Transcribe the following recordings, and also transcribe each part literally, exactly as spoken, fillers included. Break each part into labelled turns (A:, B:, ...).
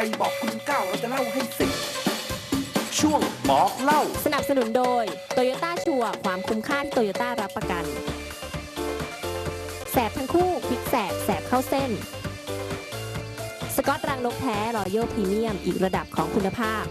A: บอกคุณเก้าเราจะเล่าให้สิบช่วงบอกเล่า
B: สนับสนุนโดย Toyota ชัวร์ความคุ้มค่าที่ Toyota รับประกันแสบทั้งคู่พลิกแสบแสบเข้าเส้นสกอตรังนกแท้รอยัลพรีเมียมอีกระดับของคุณภาพ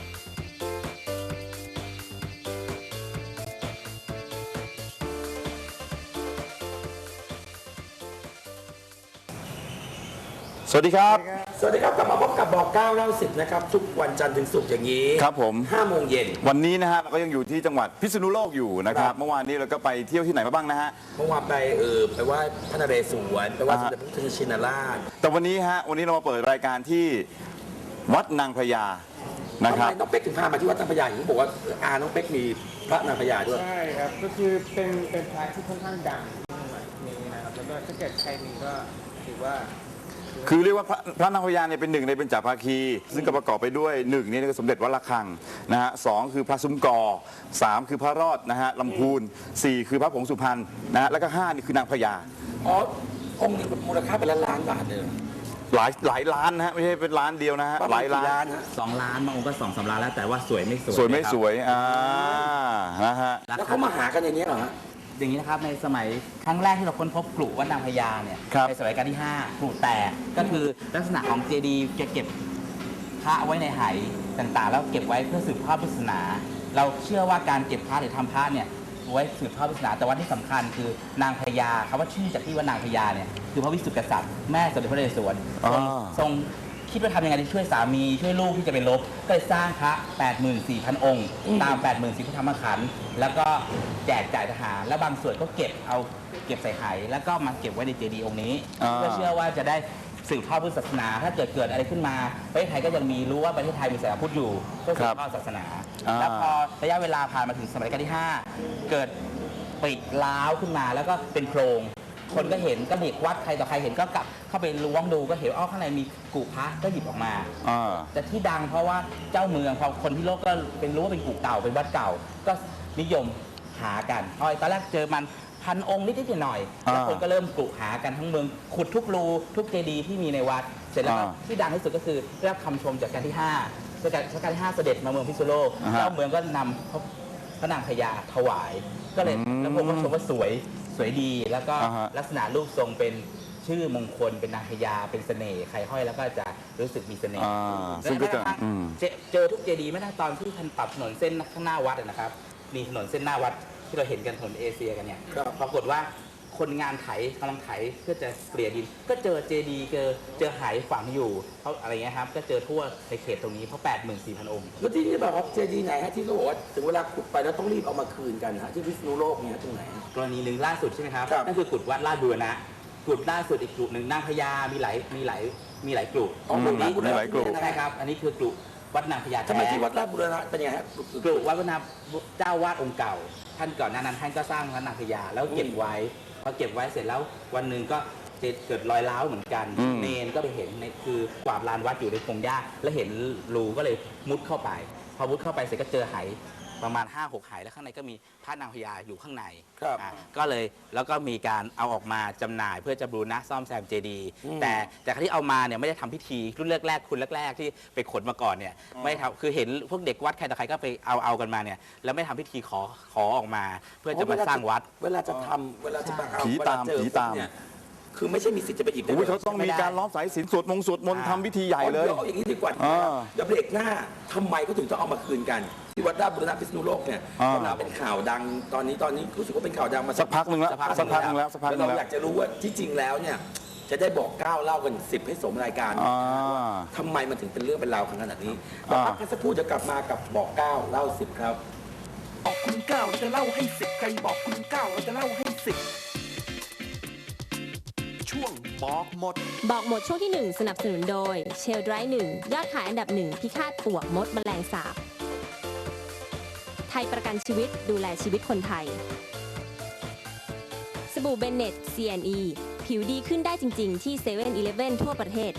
C: สวัสดีครับ
A: สวัสดีครับกลับมาพบกับบอกเก้าเล่าสิบนะครับทุกวันจันทร์ถึงศุกร์อย่างนี้
C: ครับผม
A: ห้าโมงเย็น
C: วันนี้นะฮะเราก็ยังอยู่ที่จังหวัดพิษณุโลกอยู่นะค
A: ครั
C: รับบ เมื่อวานนี้เราก็ไปเที่ยวที่ไหนมาบ้างนะฮะ
A: เมื่อวานไปเออไปไหว้พระนเรศวรไปไหว้สม
C: อ่า
A: เด็จพระพุทธชินราช
C: แต่วันนี้ฮะวันนี้เรามาเปิดรายการที่วัดนางพญานะ
A: ทำ
C: ครับ
A: ไมน้องเป๊กถึงพามาที่วัดนางพญาอย่างที่บอกว่าอาน้องเป๊กมีพระนางพญาด้วย
D: ใช่ครับ ก็คือเป็นเป็นพระที่ค่อนข้างดังในสมัยนี้นะครับ แล้วก็ถ้าเกิดใครมีก็ถือว่า
C: คือเรียกว่าพระพระนางพญาเนี่ยเป็นหนึ่งในเบญจภาคี ซึ่งก็ประกอบไปด้วยหนึ่งนี่คือสมเด็จวัดระฆังนะฮะสองคือพระซุ้มกอสามคือพระรอดนะฮะลำพูนสี่คือพระผงสุพรรณนะฮะแล้วก็ห้านี่คือนางพญา
A: อ๋อองค์นี้มูลค่าเป็นล้านล้านบาทเลยเหรอ
C: หลายหลายล้านนะฮะไม่ใช่เป็นล้านเดียวนะฮะ
A: ประ
C: ห
A: มา
C: ลา
A: ณ
C: ย
A: กี่
C: ล้าน
A: ล้านฮะ
E: สองล้านบางองค์ก็สองสามล้านแล้วแต่ว่าสวยไม่สวย
C: สวยไม่
E: นะครับ
C: สวยอ่านะฮะ
A: แล้วเขามาหากันอย่างนี้เหรอฮะ
E: อย่างนี้นะครับในสมัยครั้งแรกที่เราค้นพบกลุ่วัดนางพญาเนี่ย
C: ครับ
E: ในสมัยรัชกาลที่ห้ากลุ่แตกก็คือลักษณะของเจดีย์จะเก็บพระไว้ในไหต่างๆ แล้วเก็บไว้เพื่อสืบทอดพุทธศาสนา เราเชื่อว่าการเก็บพระหรือทำพระเนี่ยไว้สืบทอดพุทธศาสนาแต่ว่าที่สำคัญคือนางพญาคำว่าชื่อจากที่ว่านางพญาเนี่ยคือพระวิสุทธิกษัตริย์แม่สมเด็จพระนเรศวรทรง
C: อ่า
E: ทรงคิดว่าทำยังไงที่ช่วยสามีช่วยลูกที่จะไปรบก็เลยสร้างพระ แปดหมื่นสี่พัน องค์ ตาม แปดหมื่นสี่พัน พระธรรมขันธ์แล้วก็แจกจ่ายทหารแล้วบางส่วนก็เก็บเอาเก็บใส่ไหแล้วก็มาเก็บไว้ในเจดีย์องค์นี้
C: อ่า
E: เพื่อเชื่อว่าจะได้สืบทอดพุทธศาสนา ถ้าเกิดเกิดอะไรขึ้นมาประเทศไทยก็ยังมีรู้ว่าประเทศไทยมีศาสนาพุทธอยู่เพื่อสืบทอดศาสนา
C: อ่า
E: แล้วพอระยะเวลาผ่านมาถึงสมัยรัชกาลที่ห้าเกิดปิดล้าวขึ้นมาแล้วก็เป็นโพรงคนก็เห็นก็เด็กวัดใครต่อใครเห็นก็กลับเข้าไปล้วงดูก็เห็นอ้อข้างในมีกุพระก็หยิบออกมา
C: อ่า
E: แต่ที่ดังเพราะว่าเจ้าเมืองพอคนที่โลกก็เป็นรู้ว่าเป็นกุเก่าเป็นวัดเก่า ก็นิยมหากันพอตอนแรกเจอมันพันองค์นิดๆหน่อยๆแล้ว
C: อ่า
E: คนก็เริ่มกุหากันทั้งเมืองขุดทุกรูทุกเจดีย์ที่มีในวัด เสร็จแล้วก็
C: อ่า
E: ที่ดังที่สุดก็คือได้รับคำชมจากการที่ห้ารัชกาลรัชกาลที่ห้าเสด็จมาเมืองพิษณุโลก
C: อ่าฮะ
E: เจ้าเมืองก็นำพระพระนางพญาถวาย ก็เลย
C: อืม
E: แล้วผมก็ชมว่าสวยสวยดี แล้วก็
C: อ่าฮะ
E: ลักษณะรูปทรงเป็นชื่อมงคลเป็นนางพญาเป็นเสน่ห์ใครห้อยแล้วก็จะรู้สึกมีเสน่ห์
C: อ่าซึ่งก็จะอืม
E: เจเจอทุกเจดีย์ไม่ได้ตอนที่ท่านปรับถนนเส้นข้างหน้าวัดอะนะครับ มีถนนเส้นหน้าวัดที่เราเห็นกันถนนเอเชียกันเนี่ย
A: ครับ
E: ปรากฏว่าคนงานไถกำลังไถเพื่อจะเกลี่ยดิน ก็เจอเจดีย์เจอเจอไหฝังอยู่เขาอะไรเงี้ยครับก็เจอทั่วในเขตตรงนี้เพราะ แปดหมื่นสี่พัน องค์
A: แล้วที่นี่แบบว่าเจดีย์ไหนฮะที่เขาบอกว่าถึงเวลาขุดไปแล้วต้องรีบเอามาคืนกันฮะที่พิษณุโลกเนี่ยตรงไหนฮะ
E: กรณีหนึ่งล่าสุดใช่ไหมครับ
A: ครับ
E: นั่นคือกุฎวัดลาดบูรณะกุฎล่าสุดอีกกุฎหนึ่งนางพญามีหลายมีหลายมีหลายกุฎ
A: อ๋อ
C: อืม
A: มี
C: มีหลายกลุ่ม
E: ใช่ครับอันนี้คือกุฎวัดนางพญา
A: ทำไม
E: แท้
A: ที่วัดราชบุรณะเป็นยังไงฮะ
E: กลุ่วัดพระนาเจ้าวาดองค์เก่า ท่านก่อนหน้านั้นท่านก็สร้างพระนางพญาแล้วเก็บไว้พอเก็บไว้เสร็จแล้ววันหนึ่งก็เกิดรอยร้าวเหมือนกัน
C: อืม
E: เนนก็ไปเห็นในคือกวาดลานวัดอยู่ในพงหญ้าแล้วเห็นรูก็เลยมุดเข้าไป พอมุดเข้าไปเสร็จก็เจอไหประมาณ ห้าหก ไหแล้วข้างในก็มีพระนางพญาอยู่ข้างใน
A: ครับ
E: อ่ะก็เลยแล้วก็มีการเอาออกมาจำหน่ายเพื่อจะบูรณะซ่อมแซมเจดีย์แต่แต่ที่เอามาเนี่ยไม่ได้ทำพิธีรุ่นแรกๆคุณแรกๆที่ไปขนมาก่อนเนี่ยไม่ทำคือเห็นพวกเด็กวัดใครต่อใครก็ไปเอาเอากันมาเนี่ยแล้วไม่ทำพิธีขอขอออกมา เพื่อจะมาสร้างวัด
A: เวลาจะทำเวลาจะมาเอา
C: ผีตาม
A: เวลเจอ
C: ผีตาม
A: เนี่ยคือไม่ใช่มีสิทธิ์จะไปหยิบได้
C: โอ้ย
A: ล
C: เขาต้องมีการล้อมสายสิญจน์สวดมงสวดมนต์ทำพิธีใหญ่เลย
A: อาอาอย่างนี้ดีกว่า
C: อ่า
A: เดี๋ยวเบรกหน้าทำไมเขาถึงต้องเอามาคืนกัน ที่วัดราชบุรณะพิษณุโลกเนี่ย
C: อ่า
A: กำลังเป็นข่าวดังตอนนี้ตอนนี้รู้สึกว่าเป็นข่าวดังมา
C: สักพักหนึ่งแล้ว
A: สักพัก
C: สักพักหนึ่งแล้วสักพักหนึ่ง
A: เรา
C: แล้ว
A: อยากจะรู้ว่าที่จริงแล้วเนี่ยจะได้บอกก้าวเล่ากันสิบให้สมรายการ
C: อ่า
A: ทำไมมันถึงเป็นเรื่องเป็นราวขนาดนี้เดี๋ยวพักกันสักครู่จะกลับมากับบอกก้าวเล่าสิบครับบอกคุณเก้าเราจะเล่าให้สิบใครบอกคุณเก้าเราจะเล่าให้สิบช่วงบอกหมด
B: บอกหมดช่วงที่หนึ่งสนับสนุนโดยเชลไดรหนึ่งยอดขายอันดับหนึ่งพิฆาตปลวกมดแมลงสาบไทยประกันชีวิตดูแลชีวิตคนไทยสบู่เบนเน็ต ซี แอนด์ อี ผิวดีขึ้นได้จริงๆที่เซเว่นอีเลฟเว่นทั่วประเทศ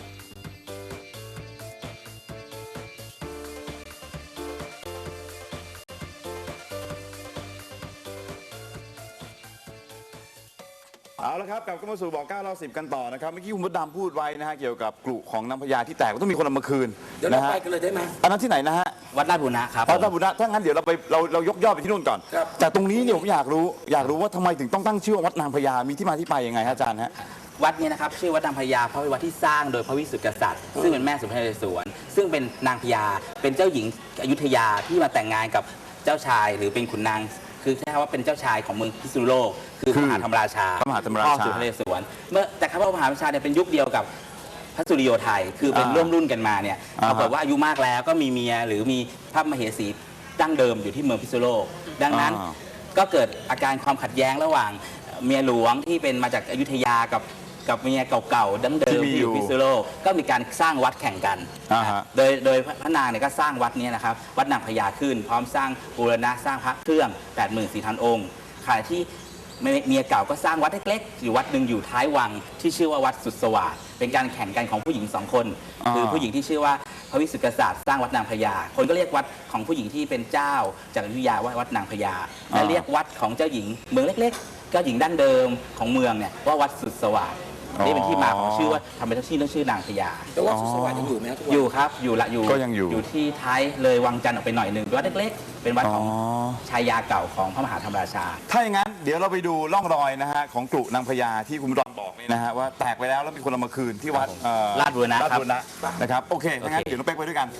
C: เอาละครับกลับเข้ามาสู่บอกเก้าเล่าสิบกันต่อนะครับเมื่อกี้คุณมดดำพูดไว้นะฮะเกี่ยวกับกลุ่ของน้ำพญาที่แตกต้องมีคนเอามาคืน
A: เดี๋ยวเรา
C: นะฮะ
A: ไปกันเลยได้ไหม
C: อันนั้นที่ไหนนะฮะ
E: วัดราชบุรณะครับ
C: พระเจ้าบุญนะถ้างั้นเดี๋ยวเราไปเราเรายกยอดไปที่นู่นก่อน
A: ครับ
C: แต่ตรงนี้เนี่ยผมอยากรู้อยากรู้ว่าทำไมถึงต้องตั้งชื่อว่าวัดนางพญามีที่มาที่ไปยังไงฮะอาจารย์ฮะ
E: วัดเนี้นะครับชื่อวัดนางพญาเพราะเป็นวัดที่สร้างโดยพระวิสุทธิกษัตริย์ซึ่งเป็นแม่สมเด็จนเรศวรซึ่งเป็นนางพญาเป็นเจ้าหญิงอยุธยาที่มาแต่งงานกับเจ้าชายหรือเป็นขุนนางคือใช้คำว่าเป็นเจ้าชายของเมืองพิษณุโลกคือพระมหาธรรมราชา
C: พระมหาธรรมราชา
E: พ่อสุนทรเรศวรเมื่อแต่พระมหาธรรมราชาเนี่ยเป็นยุคเดียวกับพระสุริโยไทยคือเป็น
C: อ่า
E: ร่วมรุ่นกันมาเนี่ย
C: อ่า
E: ปรากฏว่าอายุมากแล้วก็มีเมียหรือมีพระมเหสีดั้งเดิมอยู่ที่เมืองพิษณุโลกดังนั้น
C: อ่า
E: ก็เกิดอาการความขัดแย้งระหว่างเมียหลวงที่เป็นมาจากอยุธยากับกับเมียเก่าๆดั้งเดิม
C: ที่มี
E: ที่อ
C: อยู่
E: ยู่พิษณุโลกก็มีการสร้างวัดแข่งกัน
C: อ่าฮะ
E: โดยโดยพระนางเนี่ยก็สร้างวัดเนี้นะครับวัดนางพญาขึ้น พร้อมสร้างบูรณะสร้างพระเครื่อง แปดหมื่นสี่พัน องค์ขณะที่เมียเก่าก็สร้างวัดเล็กๆอยู่วัดหนึ่งอยู่ท้ายวังที่ชื่อว่าวัดสุดสวัสดิ์เป็นการแข่งกันของผู้หญิงสองคน
C: อ่า
E: คือผู้หญิงที่ชื่อว่าพระวิสุทธิกษัตริย์สร้างวัดนางพญาคนก็เรียกวัดของผู้หญิงที่เป็นเจ้าจากอยุธยาว่าวัดนางพญาและเรียกวัดของเจ้าหญิงเมืองเล็กๆเจ้าหญิงดั้งเดิมของเมืองเนี่ยว่าวัดสุดสวัสดิ์นี่เป็นที่มาของชื่อว่าทำไมต้องชื่อต้องชื่อนางพญา
A: แต่ว่าสุสวัสดิ์ยังอยู่ไหมครับทุกวัน
E: อยู่ครับอยู่ละอยู่
C: ก็ยังอยู่
E: อยู่ที่ท้ายเลยวังจันทร์ออกไปหน่อยหนึ่งวัดเล็กๆ เป็นวัดของ
C: อ๋อ
E: ชายาเก่าของพระมหาธรรมราชา
C: ถ้าอย่างนั้นเดี๋ยวเราไปดูร่องรอยนะฮะของกลุ่นางพญาที่คุณมดดำบอกเนี่ยนะฮะว่าแตกไปแล้วแล้วมีคนเอามาคืนที่วัดเอ่อ
E: ราชบูรณะ
C: ราชบูรณะนะครับโอเคถ้างั้น
E: โอเค
C: เดี๋ยวน้องเป๊กไปด้วยกัน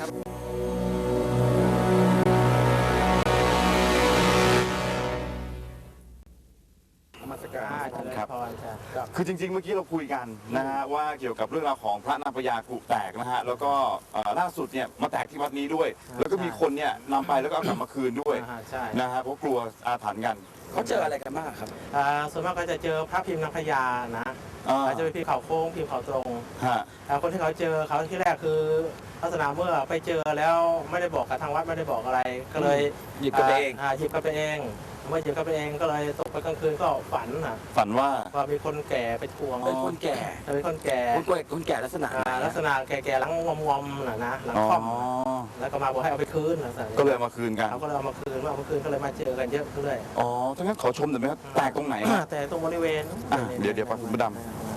A: มาสการ
C: ครับ
D: พรจ้ะครับ
C: คือจริงๆ เมื่อกี้เราคุยกันนะฮะว่าเกี่ยวกับเรื่องราวของพระนางพญากรุแตกนะฮะแล้วก็เอ่อล่าสุดเนี่ยมาแตกที่วัดนี้ด้วย แล้วก็มีคนเนี่ยนำไปแล้วก็เอากลับมาคืนด้วย
D: อ่าใช่
C: นะฮะเพราะกลัวอาถรรพ์กัน
A: เขาเจออะไรกันบ้างครับ
D: อ่าส่วนมากก็จะเจอพระพิมพ์นางพญานะ
C: อ่า
D: อาจจะเป็นพิมพ์เขาโค้งพิมพ์เขาตรง
C: ฮะ
D: อ่าคนที่เขาเจอเขาที่แรกคือลักษณะเมื่อไปเจอแล้วไม่ได้บอกกับทางวัดไม่ได้บอกอะไร ก็เลย
A: หยิบกลับไปเอง
D: าหยิบกลับไปเองเมื่อหยิบกลับไปเองก็เลยตกไปกลางคืนก็ฝันนะ
C: ฝันว่า
D: ว่ามีคนแก่ไปทวง
A: เป็นคนแก่
D: เป็นคนแก่
A: คนแก่คนแก่ลักษณะไหน
D: อ่า
A: อะ
D: ลักษณะแก่ๆหลังงอมๆน่ะนะหลัง
C: อ๋อ
D: ค่อมแล้วก็มาบอกให้เอาไปคืนลักษณะนี้
C: ก็เลยเอามาคืนกัน
D: เขาก็เลยเอามาคืนเมื่อเอามาคืนก็เลยมาเจอกันเยอะขึ้นเลย
C: อ๋อถ้างั้นขอชมหน่อยไหมครับแตกตรงไหนฮะ
D: แต่ตรงบริเวณ
C: อ่ะเดี๋ยวเดี๋ยวไปคุณพระด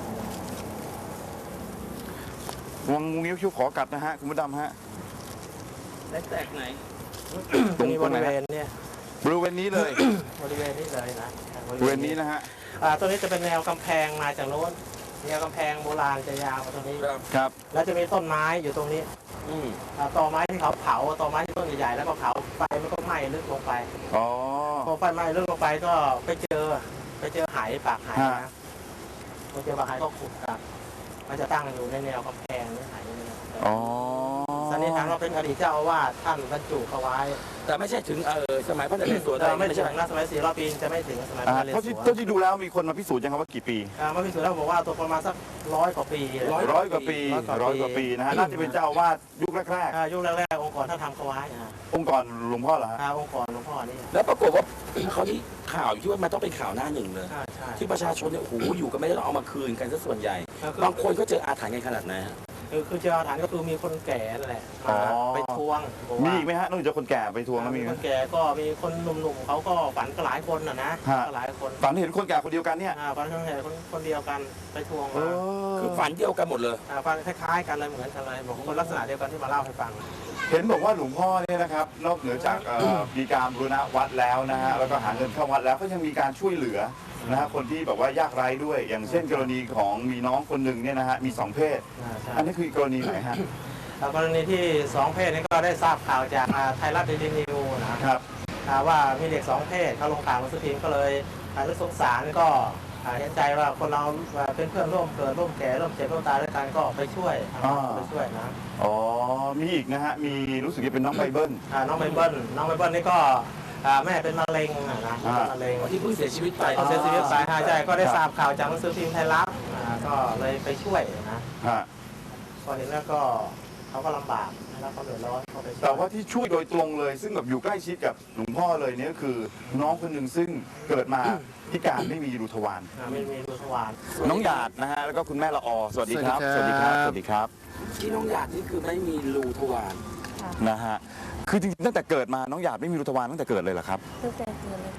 C: วงงูงิ้วคิ้วขอกัดนะฮะคุณมดดำฮะ
A: ได้แตกไหน
C: ตรง
D: มี
C: ต
D: บ
C: รงไหน
D: ริเว
C: ฮะ
D: ณเนี่ย
C: บริเวณนี้เลย
D: บริเวณนี้เลยนะ
C: บริเวณนี้นะฮะ
D: อ่าตัวนี้จะเป็นแนวกำแพงมาจากโน้นแนวกำแพงโบราณจะยาวมาตรงนี้
A: ครับ
C: ครับ
D: แล้วจะมีต้นไม้อยู่ตรงนี้
A: อืม
D: อ่าตอไม้ที่เขาเผาตอไม้ที่ต้นใหญ่ๆแล้วก็เผาไฟมันก็ไหม้ลึกลงไป
C: อ๋อ
D: พอไฟไหม้ลึกลงไปก็ไปเจอไปเจอไหปากไห
C: ฮะ
D: นะพอเจอปากไหก็ขุดครับมันจะตั้งอยู่ในแนวกำแพงนี่ไหนี่นะ
C: อ๋อ
D: สันนิษฐานว่าเป็นอดีตเจ้าอาวาสท่านบรรจุเขาไว้
A: แต่ไม่ใช่ถึงเออสมัยพระนเรศวร
D: แต่ไม่
A: ไม่
D: ถึ
A: ใช่
D: งนะสมัยสี่ร้อยปีจะไม่ถึงสมัยพ
C: อ่า
D: ระนเรศ
C: เท่าที่
D: วร
C: เท่าที่ดูแล้วมีคนมาพิสูจน์ยังครับว่ากี่ปี
D: อ่ามาพิสูจน์แล้วบอกว่าตัวประมาณสักร้อยกว่าปีเลย
C: ร้อยกว่าปี
D: ร้
C: ร้อ
D: อย ย
C: ก
D: ก
C: ว่า
D: ว่าปี
C: ปีนะฮะน่าจะเป็นเจ้าอาวาสยุคแรก
D: อ่ายุคแรกๆองค์กรท่านทำเขาไว้อ่า
C: ๆองค์กรหลวงพ่อเหรอฮะ
D: อ่าองค์กรหลวงพ่อนี่
A: แล้วปรากฏว่าเขาที่ข่าวอยู่ที่ว่ามันต้องเป็นข่าวหน้าหนึ่งเลย
D: ใช่ใช่
A: ที่ประชาชนเนี่ยโอ้โหอยู่กันไม่ได้ต้องเอามาคืนกันซะส่วนใหญ่
D: ก็คือบ
A: างคนก็เจออาถรรพ์กันขนาดไหนฮะ
D: คือคือเจ้าฐานก็คือมีคนแก่นั่นแหละ
C: อ๋อ
D: มาไปทวงบอก
C: มี
D: ว่า
C: อีกไหมฮะนอกจากคนแก่ไปทวงแล้วมี
D: มี
C: ไหม
D: คนแก่ก็มีคนหนุ่มๆเขาก็ฝันก็หลายคนนะนะ
C: ฮะ
D: ก็หลายคน
C: ฝันเห็นคนแก่คนเดียวกันเนี่ย
D: อ่าฝันคนแก่คนคนเดียวกันไปทวง
C: เอ
D: มา
C: อ
A: คือฝันเดียวกันหมดเลย
D: อ่าฝันคล้ายๆกันเลยเหมือนกันเลยบอกคนลักษณะเดียวกันที่มาเล่าให้ฟัง
C: เห็นบอกว่าหลวงพ่อเนี่ยนะครับนอกเหนือจากเอ่อมีการบูรณะวัดแล้วนะฮะแล้วก็หาเงินเข้าวัดแล้วก็ยังมีการช่วยเหลือนะฮะคนที่แบบว่ายากไร้ด้วย อย่างเช่นกรณีของมีน้องคนหนึ่งเนี่ยนะฮะมีสองเพศ
D: อ่าใช่
C: อันนี้คือกรณีไหนฮะ
D: แล้วกรณีที่สองเพศนี้ก็ได้ทราบข่าวจากอ่าไทยรัฐเดลินิวนะครับ อ่าว่ามีเด็กสองเพศเขาลงข่าวหนังสือพิมพ์ก็เลยอ่ารู้สงสารก็อ่าเห็นใจว่าคนเราอ่าเป็นเพื่อนร่วมเกิดร่วมแก่ร่วมเจ็บร่วมตายด้วยกันก็ไปช่วยทางวัดก็ไปช่วยนะ
C: อ๋อมีอีกนะฮะมีรู้สึกจะเป็นน้องไบเบิล
D: อ่าน้องไบเบิลน้องไบเบิลนี่ก็อ่าแม่เป็นมะเร็งอ่ะนะ
C: อ่า
D: เป็นมะเร็ง
A: ที่เพิ่งเสียชีวิตไป
D: เขาเสียชีวิตไปอ่าใช่ก็ได้ทราบข่าวจากหนังสือพิมพ์ไทยรัฐอ่าก็เลยไปช่วยนะ
C: ฮะ
D: พอเห็นแล้วก็เขาก็ลำบากแล้วเขาเดือดร้อนเขาไปช่วย
C: แต่ว่าที่ช่วยโดยตรงเลย ซึ่งแบบอยู่ใกล้ชิดกับหลวงพ่อเลยเนี่ยก็คือน้องคนหนึ่งซึ่งเกิดมาพิการไม่มีรูทวาร
D: อ่าไม่มีรูทวาร
C: น้องหยาดนะฮะแล้วก็คุณแม่ละออสวัสดีครับ
F: สวัสดีครับ
C: สวัสดีครับ
A: ที่น้องหยาดนี่คือไม่มีรูทวาร
C: นะฮะคือจริงๆตั้งแต่เกิดมาน้องหยาดไม่มีรูทวารตั้งแต่เกิดเลยเหรอครับ
F: ตั้งแต่เกิดเลยค่ะ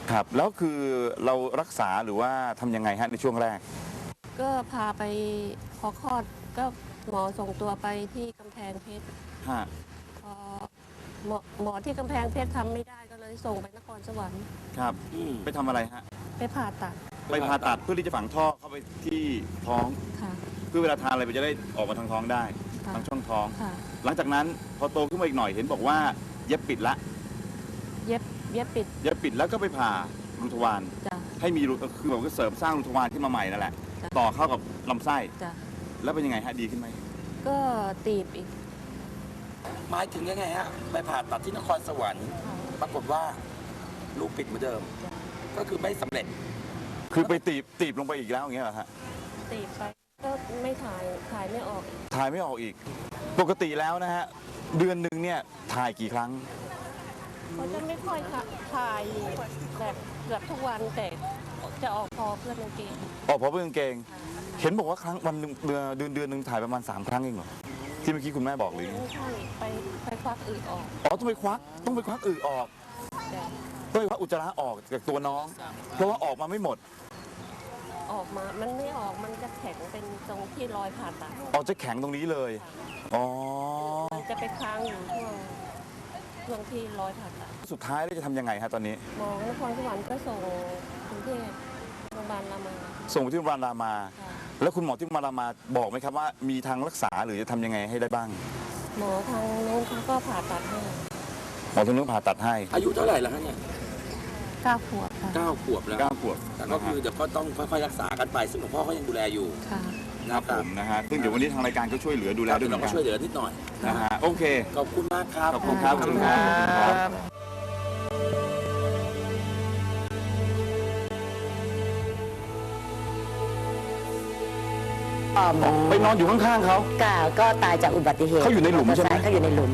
C: ครับ แล้วคือเรารักษาหรือว่าทำยังไงฮะในช่วงแรก
F: ก็พาไปพอคลอดก็หมอส่งตัวไปที่กำแพงเพชร
C: ฮะ
F: พอหมอหมอที่กำแพงเพชรทำไม่ได้ก็เลยส่งไปนครสวรรค์
C: ครับ
A: อืม
C: ไปทำอะไรฮะ
F: ไปผ่าตัด
C: ไปผ่าตัดเพื่อที่จะฝังท่อเข้าไปที่ท้อง
F: ค่ะ
C: เพื่อเวลาทานอะไรมันจะได้ออกมาทางท้องได้
F: ค่ะ
C: ทางช่องท้อง
F: ค่ะ
C: หลังจากนั้นพอโตขึ้นมาอีกหน่อยเห็นบอกว่าเย็บปิดละ
F: เย็บเย็บปิด
C: เย็บปิดแล้วก็ไปผ่ารูทวาร
F: จ้ะ
C: ให้มีรูคือแบบว่าเสริมสร้างรูทวารขึ้นมาใหม่นั่นแหละ
F: จ้ะ
C: ต่อเข้ากับลำไส้
F: จ้ะ
C: แล้วเป็นยังไงฮะดีขึ้นไหม
F: ก็ตีบอีก
A: หมายถึงยังไงฮะ ไปผ่าตัดที่นครสวรรค์ ปรากฏว่าลูกปิดเหมือนเดิม ก็คือไม่สำเร็จ
C: คือไปตีบตีบลงไปอีกแล้วอย่างเงี้ยเหรอฮะ
F: ตีบไปก็ไม่ถ่ายถ่ายไม่ออกอีก
C: ถ่ายไม่ออกอีก ปกติแล้วนะฮะเดือนหนึ่งเนี่ยถ่ายกี่ครั้ง
F: เขาจะไม่ค่อยถ่ายแบบเกือบทุกวันแต่จะออกพอเพื่อนกางเกง
C: ออกเพราะเพื่อนกางเกง เห็นบอกว่าครั้งวันหนึ่งเดือนเดือนเดือนหนึ่งถ่ายประมาณสามครั้งเองเหรอที่เมื่อกี้คุณแม่บอกหรือไง
F: ไม่ใช่ไปไปควักอึออก
C: อ๋อต้องไปควักต้องไปควักอึออก
F: แต่
C: ต้องไปควักอุจจาระออกจากตัวน้อง เพราะว่าออกมาไม่หมด
F: ออกมามันไม่ออกมันจะแข็งเป็นตรงที่รอยผ่าตัด
C: ออกจะแข็งตรงนี้เลยอ๋อ
F: มันจะไปค้างอยู่ช่วงช่วงที่รอยผ่าตัด
C: สุดท้ายแล้วจะทำยังไงฮะตอนนี้
F: หมอนครสวรรค์ก็ส่งกรุงเทพโรงพยาบาลรามา
C: ส่งไปที่โรงพยาบาลรามา
F: ค่ะ
C: แล้วคุณหมอที่โรงพยาบาลรามาบอกไหมครับว่ามีทางรักษาหรือจะทำยังไงให้ได้บ้าง
F: หมอทางโน้นเขาก็ผ่าตัดให้
C: หมอทางนู้นผ่าตัดให้
A: อายุเท่าไหร่แล้วฮะเนี่ย
F: เก้าขวบค่ะ
A: เก้าขวบแล้ว
C: เก้าขวบ
A: แต่ก็คือเดี๋ยวก็ต้องค่อยๆรักษากันไป ซึ่งหลวงพ่อเขายังดูแลอยู่
F: ค่ะ
C: ครับผมนะฮะซึ่งเดี๋ยววันนี้ทางรายการก็ช่วยเหลือดูแลด้วยเหมื
A: เรา
C: อน
A: ก็
C: กัน
A: ช่วยเหลือนิดหน่อย
C: นะฮะโอเค
A: ขอบคุณมากครับ
C: ขอบคุณครับขอบคุณครับ ไปนอนอยู่ข้างๆเขา
G: ก็ก็ตายจากอุบัติเหตุ
C: เขาอยู่ในหลุมใช่ไหม
G: เขาอยู่ในหลุม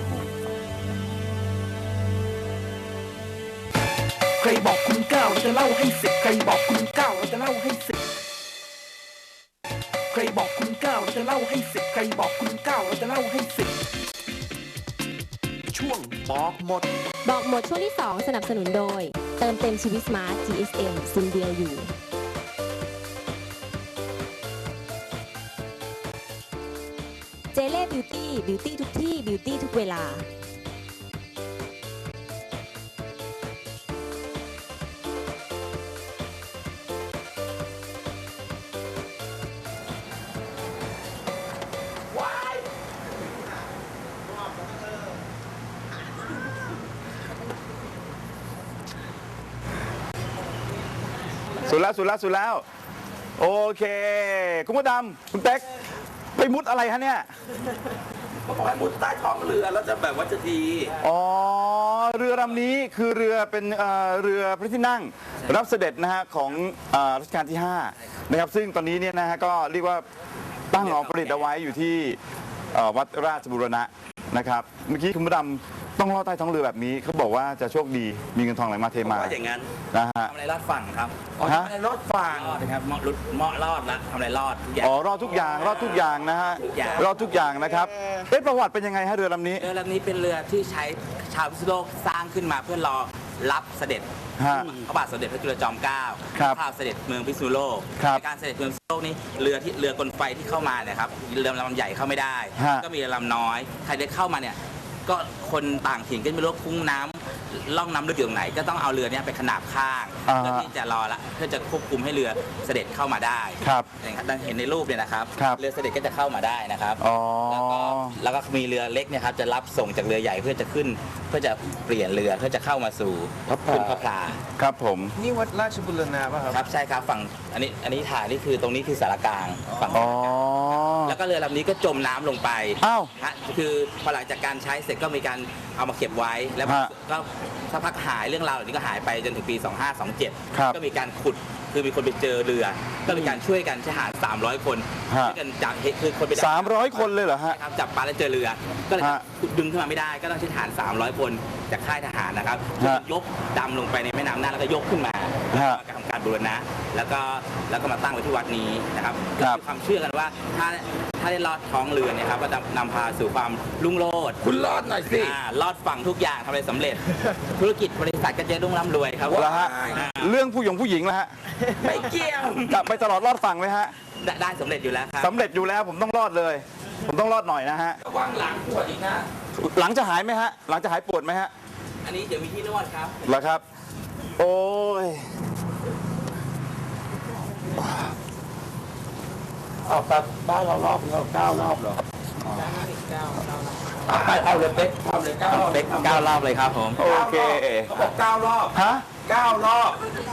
A: ใครบอกคุณเก้าเราจะเล่าให้สิบใครบอกคุณเก้าเราจะเล่าให้สิบใครบอกคุณเก้าเราจะเล่าให้สิบใครบอกคุณเก้าเราจะเล่าให้สิบช่วงบอกหมด
B: บอกหมดช่วงที่ สอง สนับสนุนโดย เติมเต็มชีวิตสมาร์ท จี เอส เอ็ม ซิมเดียวอยู่ เจเล่บิวตี้ บิวตี้ทุกที่ บิวตี้ทุกเวลา
C: สุดแล้วสุดแล้วสุดแล้ว โอเค คุณมดดำคุณเป๊กไปมุดอะไรฮะเนี่ย
A: เขาบอกให้มุดใต้ท้องเรือแล้วจะแบบว่าจะดี
C: อ๋อ เรือลำนี้คือเรือเป็นเอ่อเรือพระที่นั่งรับเสด็จนะฮะของเอ่อรัชกาลที่ห้านะครับซึ่งตอนนี้เนี่ยนะฮะก็เรียกว่าตั้งเอาประดิษฐ์เอาไว้อยู่ที่เอ่อวัดราชบูรณะนะครับเมื่อกี้คุณมดดำต้องลอดใต้ท้องเรือแบบนี้เขาบอกว่าจะโชคดีมีเงินทองไหลมาเทมา
A: ว่าอย่างนั้น
C: นะฮะ
E: ทำอะไรรอดฝั่งครับ
A: อ๋อ
C: ฮะ
A: ทำไมรถฝั่ง
E: รอดนะครับเหมาะรุดเหมาะรอดละทำอะไรรอดทุกอย่าง
C: อ๋อรอดทุกอย่างรอดทุกอย่างนะฮะ
E: ทุกอย่าง
C: รอดทุกอย่างนะครับเอ๊ะประวัติเป็นยังไงฮะเรือลำนี้
E: เรือลำนี้เป็นเรือที่ใช้ชาวพิษณุโลกสร้างขึ้นมาเพื่อรอรับเสด็จ
C: ฮะ
E: พระบาทสมเด็จพระจุลจอมเกล้า
C: ครับ
E: ข้าเสด็จเมืองพิษณุโลก
C: ครับ
E: ในการเสด็จเมืองพิษณุโลกนี้เรือที่เรือกลไฟที่เข้ามาเนี่ยครับเรือลำใหญ่เข้าไม่ได้
C: ฮะ
E: ก็มีเรือลำน้อยใครได้เข้ามาเนี่ยก็คนต่างถิ่นก็ไม่รู้ว่าคุ้งน้ำล่องน้ำลึกอยู่ตรงไหน ก็ต้องเอาเรือเนี้ไปขนาบข้าง
C: อ่า
E: เพื่อที่จะรอละเพื่อจะควบคุมให้เรือเสด็จเข้ามาได้
C: ครับ
E: อย่างที่เห็นในรูปเนี่ยนะครับ
C: ครับ
E: เรือเสด็จก็จะเข้ามาได้นะครับ
C: อ๋อ
E: แล้วก็แล้วก็มีเรือเล็กเนี่ยครับจะรับส่งจากเรือใหญ่เพื่อจะขึ้น เพื่อจะเปลี่ยนเรือเพื่อจะเข้ามาสู่
C: พระพลา
E: ขึ้นพระพลา
C: ครับผม
H: นี่วัดราชบุรณะป่ะครับ
E: ครับใช่ครับฝั่งอันนี้อันนี้ถ่ายนี่คือตรงนี้คือสารกลางฝั่ง
C: อ๋อ
E: แล้วก็เรือลำนี้ก็จมน้ำลงไป
C: อ้าว
E: ฮะคือพอหลังจากการใช้เสร็จก็มีการเอามาเก็บไว้แล้ว
C: ฮะ
E: ก็สักพักหายเรื่องราวเหล่านี้ก็หายไปจนถึงปี สองห้าสองเจ็ด
C: ครับ
E: ก็มีการขุดคือมีคนไปเจอเรือ ก็มีการช่วยกันทหารสามร้อยคน
C: ฮะ
E: ช่วยกันจับคือคนไปดัก
C: สามร้อยคนเลยเหรอฮะ
E: ครับจับปลาแล้วเจอเรือ ก็เลย
C: ฮะ
E: ดึงขึ้นมาไม่ได้ ก็ต้องใช้ทหาร สามร้อย คนจากค่ายทหารนะครับช่วยกันยกดำลงไปในแม่น้ำน่านแล้วก็ยกขึ้นมา
C: ฮะ
E: ทำการบูรณะแล้วก็แล้วก็มาตั้งไว้ที่วัดนี้นะครับ
C: ครับ
E: มีความเชื่อกันว่าถ้าถ้าได้ลอดท้องเรือเนี่ยครับก็จะนำพาสู่ความรุ่งโรจน์
A: คุณรอดหน่อยสิ
E: อ่าลอดฝั่งทุกอย่างทำอะไรสำเร็จ ธุรกิจบริษัทก็จะรุ่งร่ำรวยครับ
C: แล้วฮะ
E: อ่า
C: เรื่องผู้หญิงผู้หญิงแล้วฮะ
A: ไม่เกี่ยว
C: กลับไปตลอดรอดฝั่งไหมฮะ
E: ได้ได้สำเร็จอยู่แล้วครับ
C: สำเร็จอยู่แล้วผมต้องรอดเลย ผมต้องรอดหน่อยนะฮะ
A: ระวังหลังปวดอีกนะ
C: หลังจะหายไหมฮะ หลังจะหายปวดไหมฮะ
E: อันนี้เดี๋ยวมีที่นวดครับ
C: เหรอครับ โอ้ย
A: ออกแบบบ้านเรารอบเราเก้ารอบเหรอไปเอาเลยเป๊กทำเลยเก้ารอบ
E: เป๊กเก้ารอบเลยครับผม
C: โอเค
A: เขาบอกเก้ารอบ
C: ฮะ
A: เก้ารอบ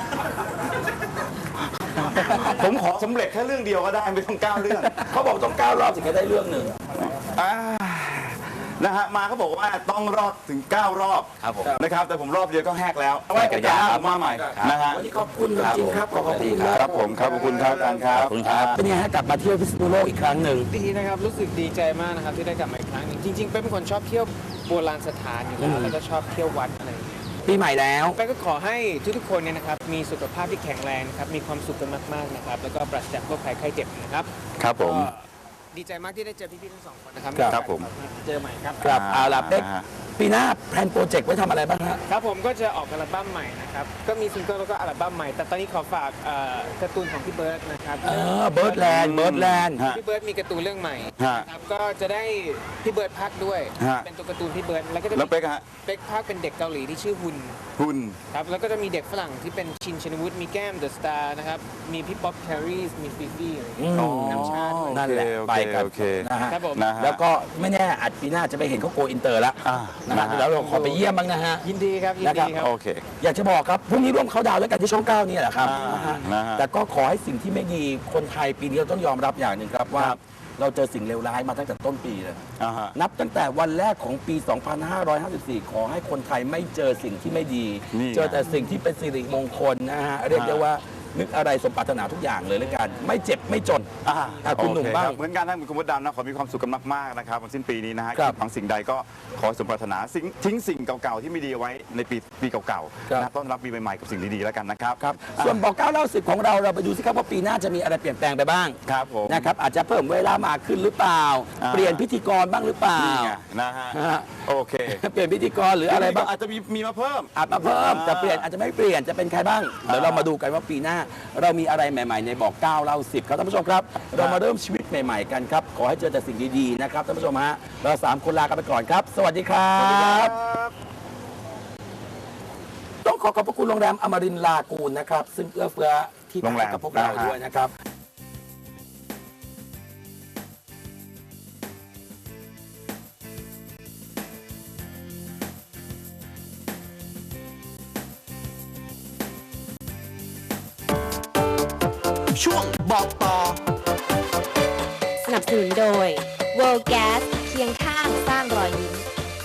C: ผมขอสำเร็จแค่เรื่องเดียวก็ได้ไม่ต้องเก้าเรื่อง
A: เขาบอกต้องเก้ารอบถึงจะได้เรื่องหนึ่ง
C: อ่านะฮะมาเขาบอกว่าต้องรอบถึงเก้ารอบ
E: ครับผม
C: นะครับ แต่ผมรอบเดียวก็แหกแล้ว
E: ไว้กันยา
C: ผมมาใหม่นะฮะ
A: วันนี้ขอบคุณจริงๆครับขอบคุณครับ
C: ครับผมครับขอบคุณครับอาจารย์ครับ
E: ขอบคุณครับ
A: เป็นไงฮะกลับมาเที่ยวพิษณุโลกอีกครั้งหนึ่ง
H: ดีนะครับรู้สึกดีใจมากนะครับที่ได้กลับมาอีกครั้งหนึ่งจริงๆเป๊กเป็นคนชอบเที่ยวโบราณสถานอยู่แล้วแล้วก็ชอบเที่ยววัดอะไรอย่างเงี้ย
A: ปีใหม่แล้ว
H: เป๊กก็ขอให้ทุกๆคนเนี่ยนะครับมีสุขภาพที่แข็งแรงนะครับมีความสุขกันมากๆนะครับแล้วก็ปราศจากโรคภัยไข้เจ็บนะครับ
C: ครับผม
H: ก็ดีใจมากที่ได้เจอพี่ๆทั้งสองคนนะครับ
C: ครับผม
H: เจอใหม่ครับ
A: ครับเอาล่ะเป๊ก
C: นะฮะ
A: ปีหน้าแพลนโปรเจกต์ไว้ทำอะไรบ้างฮะ
H: ครับผมก็จะออกอัลบั้มใหม่นะครับก็มีซิงเกิลแล้วก็อัลบั้มใหม่แต่ตอนนี้ขอฝากเอ่อการ์ตูนของพี่เบิร์ดนะครับ
A: เออเบิร์ดแลนด์เบิร์ดแลนด์
C: ฮะ
H: พี่เบิร์ดมีการ์ตูนเรื่องใหม่
C: ฮะ
H: นะครับก็จะได้พี่เบิร์ดพักด้วย
C: ฮะ
H: เป็นตัวการ์ตูนพี่เบิร์ดแล้วก็จะ
C: แล้ว
H: มี
C: เป๊กฮะ
H: เป๊กพักเป็นเด็กเกาหลีที่ชื่อฮุน
C: คุณ
H: ครับแล้วก็จะมีเด็กฝรั่งที่เป็นชินชินวุฒิมีแก้มเดอะสตาร์นะครับมีพี่ป๊อปแครีสมีฟีฟี่อะไรอย่างเงี้ย
A: อืม
H: น้ำชาด้วย
A: นั่นแหละ
C: โอ
A: ไป
C: เค
A: กัน
C: โอเค
A: นะฮะ
H: ครับผม
C: นะฮะ
A: แล้วก็ไม่แน่อาจปีหน้าจะไปเห็นเขาโกอินเตอร์แล้ว
C: อ่า
A: นะ
C: นะ
A: ฮะ
C: ฮะ
A: แล้วเราขอไปเยี่ยมบ้างนะฮะ
H: ยินดีครับยิน
A: นะครั
H: ดี
A: บ
H: ครับ
C: โอเค
A: อยากจะบอกครับพรุ่งนี้ร่วมเขาดาวน์แล้วกันที่ช่องเก้านี่แหละครับ
C: อ่า
A: นะฮะ
C: นะฮะ
A: แต่ก็ขอให้สิ่งที่ไม่ดีคนไทยปีนี้เราต้องยอมรับอย่างหนึ่งครับว่า
C: ครับ
A: เราเจอสิ่งเลวร้ายมาตั้งแต่ต้นปีเลย
C: อ่าฮะ
A: นับตั้งแต่วันแรกของปี สองพันห้าร้อยห้าสิบสี่ ขอให้คนไทยไม่เจอสิ่งที่ไม่ดี
C: นี่ไง
A: เจอแต่สิ่งที่เป็นสิริมงคลนะฮะ เรียกได้ว่านึกอะไรสมปรารถนาทุกอย่างเลยแล้วกัน ไม่เจ็บไม่จน
C: อ่า
A: อ่ะคุณหนุ่ม
C: โอเ
A: บ้าง
C: รับเหมือนกันนะคุณมดดำนะขอมีความสุขกันมากๆนะครับวันสิ้นปีนี้นะฮะ
A: ครับ
C: คิดหวังสิ่งใดก็ขอให้สมปรารถนาสิ่งทิ้งสิ่งเก่าๆที่ไม่ดีเอาไว้ในปีปีเก่า
A: ครับ
C: ๆนะต้อนรับปีใหม่ๆกับสิ่งดีๆแล้วกันนะครับ
A: ครับ ส่วนบอกเก้าเล่าสิบของเราเราไปดูสิครับว่าปีหน้าจะมีอะไรเปลี่ยนแปลงไปบ้าง
C: ครับผม
A: นะครับอาจจะเพิ่มเวลามากขึ้นหรือเปล่า
C: อ่า
A: เปลี่ยนพิธีกรบ้างหรือเปล่า
C: นี่ไงนะฮะ
A: ฮะ
C: โอเค
A: เปลี่ยนพิธีกรหรืออะไรบ้าง
C: อาจจะมีมีมาเพิ่ม
A: อาจมาเพิ่ม
C: อ่า
A: จะเปลี่ยนอาจจะไม่เปลี่ยนจะเป็นใครบ้าง เดี๋ยวเรามาดูกันว่าปีหน้า เรามีอะไรใหม่ๆในบอกเก้าเล่าสิบครับท่านผู้ชมครับ เรามาเริ่มชีวิตใหม่ๆกันครับ ขอให้เจอแต่สิ่งดีๆนะครับท่านผู้ชมฮะเราสามคนลากันไปก่อนครับ สวัสดีครับ ต้องขอขอบพระคุณโรงแรมอมรินทร์ลากูนนะครับ ซึ่งเอื้อเฟื้อที่พักให้กับพวกเราด้วยนะครับ
I: ช่วงบอกต่อ
B: สนับสนุนโดย World Gas เคียงข้างสร้างรอยยิ้ม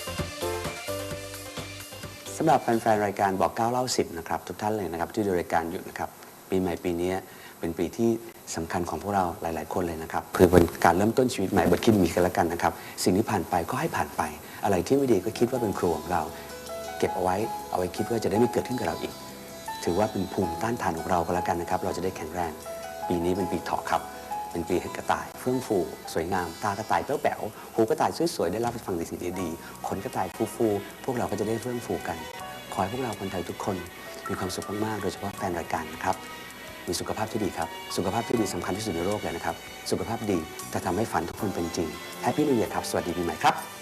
J: สำหรับแฟนๆรายการบอกเก้าเล่าสิบนะครับทุกท่านเลยนะครับที่ดูรายการอยู่นะครับปีใหม่ปีนี้เป็นปีที่สำคัญของพวกเราหลายๆคนเลยนะครับคือเป็นการเริ่มต้นชีวิตใหม่บทคิดมีกันแล้วกันนะครับสิ่งที่ผ่านไปก็ให้ผ่านไปอะไรที่ไม่ดีก็คิดว่าเป็นครูของเรา เก็บเอาไว้เอาไว้คิดว่าจะได้ไม่เกิดขึ้นกับเราอีก ถือว่าเป็นภูมิต้านทานของเราก็แล้วกันนะครับเราจะได้แข็งแรงปีนี้เป็นปีเถาะครับเป็นปีแห่งกระต่ายเฟื่องฟูสวยงามตากระต่ายแป๋วๆหูกระต่ายสวยๆได้รับฟังในสิ่งดีๆขนกระต่ายฟูๆพวกเราก็จะได้เฟื่องฟูกันขอให้พวกเราคนไทยทุกคนมีความสุขมากๆโดยเฉพาะแฟนรายการนะครับมีสุขภาพที่ดีครับสุขภาพที่ดีสำคัญที่สุดในโลกเลยนะครับสุขภาพดีจะทำให้ฝันทุกคนเป็นจริงแฮปปี้นิวเยียร์ครับสวัสดีปีใหม่ครับ